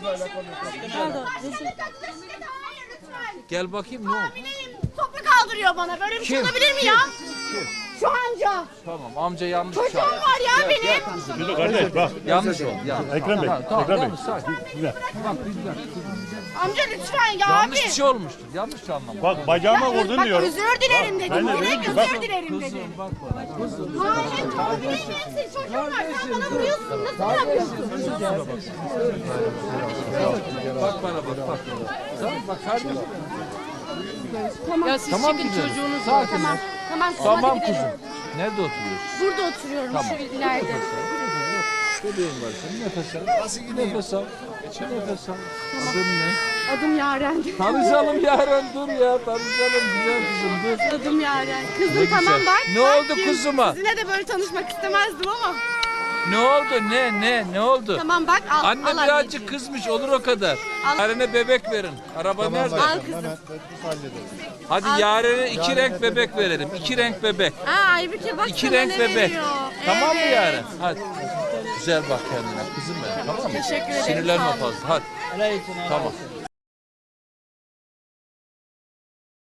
Gel bakayım ne oldu? Topu kaldırıyor bana. Böyle bir şey olabilir mi ya? Şu amca. Tamam amca yanlış Çocuğum çağırdı. var ya benim. Dur kardeş bak. Yanlış oldu. Yanlış. Ekrem Bey. Tamam, Ekrem Bey. yanlış, sakin. Güzel. Bak güzel. Amca lütfen ya Yanlış abi. bir şey olmuştur. Yanlış anlamadım. Bak bacağıma vurdun Bak diyorum. özür dilerim dedim. ben de Direkt dedim ki, özür dilerim dedim. Kızım bak bana. Kızım. Hayır tabii hepsi çocuğum var. Sen bana vuruyorsun. Nasıl yapıyorsun? Bak bana bak. Tamam bak kardeşim. Ya siz Tamam çıkın güzel. çocuğunuz Sakin. Tamam. Tamam. Tamam hadi gidelim. kuzum. Nerede oturuyorsun? Burada oturuyorum şu ileride. Bebeğin var senin. Nefes al. Nefes al. Nefes al. Adın ne? Adım Yaren. Tanışalım Yaren dur ya. Tanışalım güzel kızım dur. Adım Yaren. Ne Kızım tamam güzel. bak. Ne bak oldu kim? kuzuma? Sizinle de böyle tanışmak istemezdim ama. Ne oldu? Ne oldu? Tamam bak al. Anne al birazcık anneciğim. kızmış olur o kadar. Al. Yaren'e bebek verin. Araba nerede? Al kızım. Hadi Yaren'e 2 renk bebek verelim. 2 renk bebek. Aa Aybüke bak 2 sana renk ne bebek. veriyor. Tamam mı Evet. Yaren? Hadi. Güzel bak kendine kızım benim. Tamam mı? Teşekkür ederim, Sinirlenme sağ olun. fazla. Hadi. Tamam.